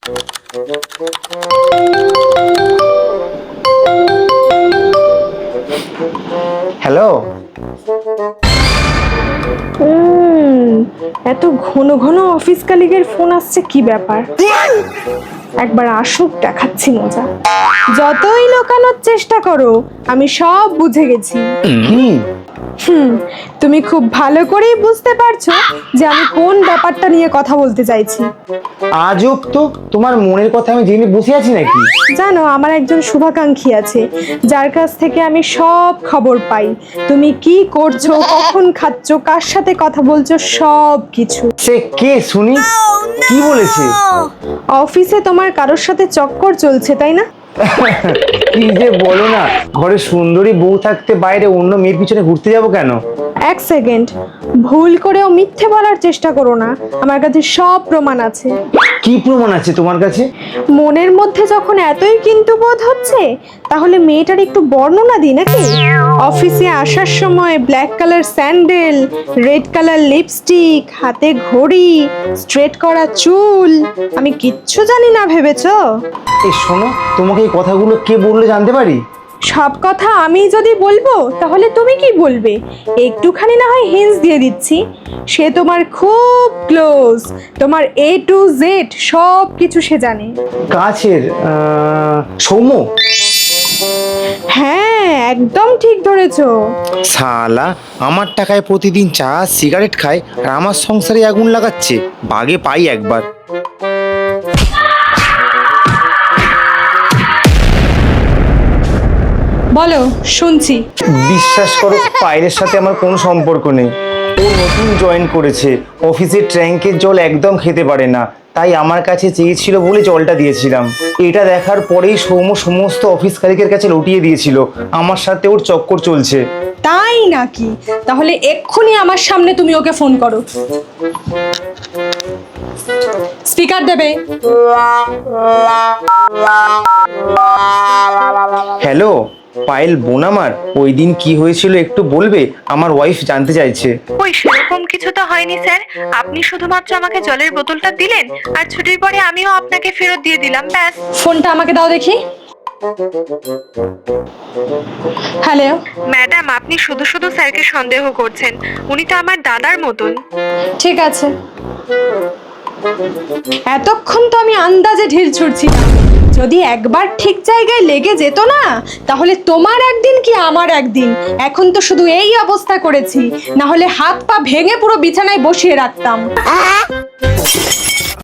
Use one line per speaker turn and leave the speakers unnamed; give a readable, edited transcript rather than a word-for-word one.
Hello.
এত ঘন ঘন অফিস কালিগের ফোন আসছে, কি ব্যাপার? একবার আসুক, দেখাচ্ছি মজা। যতই লোকানোর চেষ্টা করো, আমি সব বুঝে গেছি।
কি?
তুমি খুব ভালো করেই বুঝতে পারছো যে আমি কোন ব্যাপারটা নিয়ে কথা বলতে চাইছি।
আজব তো, তোমার মনের কথা আমি জেনে বসে আছি নাকি?
জানো, আমার একজন শুভাকাঙ্ক্ষী আছে যার কাছ থেকে আমি সব খবর পাই। তুমি কি করছো, কখন খাচ্ছো, কার সাথে কথা বলছো, সব কিছু।
সে কে শুনি? কি বলেছে?
অফিসে তোমার কারোর সাথে চক্কর চলছে, তাই না?
কি যে বলো না, ঘরে সুন্দরী বউ থাকতে বাইরে অন্য মেয়ের পিছনে ঘুরতে যাবো কেন?
এক সেকেন্ড, ভুল করেও মিথ্যে বলার চেষ্টা করো না। আমার কাছে সব প্রমাণ আছে।
কি প্রমাণ আছে তোমার কাছে?
মনের মধ্যে যখন এতই কিন্তু বোধ হচ্ছে, তাহলে মেয়েটার একটু বর্ণনা দিই নাকি? অফিসে আসার সময় black colour sandal, red colour lipstick, হাতে ঘড়ি, স্ট্রেট করা চুল, আমি কিচ্ছু জানি না ভেবেছো?
এই শোনো, তোমাকে এই কথাগুলো কে বললো জানতে পারি?
সব কথা আমি যদি বলবো তাহলে তুমি কি বলবে? একটুখানি না হয় হিন্টস দিয়ে দিচ্ছি। সে তোমার খুব ক্লোজ, তোমার A to Z সব কিছু সে জানে।
কাছের সৌম্য?
হ্যাঁ, একদম ঠিক ধরেছো।
শালা, আমার টাকায় প্রতিদিন চা সিগারেট খায় আর আমার সংসারে আগুন লাগাচ্ছে। বাগে পাই একবার।
বলো, শুনছি।
বিশ্বাস করো, পায়েলের সাথে আমার কোনো সম্পর্ক নেই। ও নতুন জয়েন করেছে, অফিসের ট্যাঙ্কের জল একদম খেতে পারে না, তাই আমার কাছে চেয়েছিল বলে জলটা দিয়েছিলাম। এটা দেখার পরেই সৌম্য সমস্ত অফিস কালিকের কাছে লুটিয়ে দিয়েছিল আমার সাথে ওর চক্কর চলছে।
তাই নাকি? তাহলে এক্ষুনি আমার সামনে তুমি ওকে ফোন করো। স্পিকার দেবে।
হ্যালো পায়েল বোন আমার, ওই দিন কি হয়েছিল একটু বলবে? আমার ওয়াইফ জানতে চাইছে।
ওই সেরকম কিছু তো হয়নি স্যার। আপনি শুধুমাত্র আমাকে জলের বোতলটা দিলেন আর ছুটির পরে আমিও আপনাকে ফেরত দিয়ে দিলাম, ব্যাস।
ফোনটা আমাকে দাও দেখি। হ্যালো
ম্যাডাম, আপনি শুধু শুধু স্যারকে সন্দেহ করছেন। উনি তো আমার দাদার মতন।
ঠিক আছে, এতক্ষণ তো আমি আন্দাজে ঢিল ছুড়ছিলাম। যদি একবার ঠিক জায়গায় লেগে যেত না, তাহলে তোমার একদিন কি আমার একদিন। এখন তো শুধু এই অবস্থা করেছি, না হলে হাত পা ভেঙে পুরো বিছানায় বসিয়ে রাখতাম।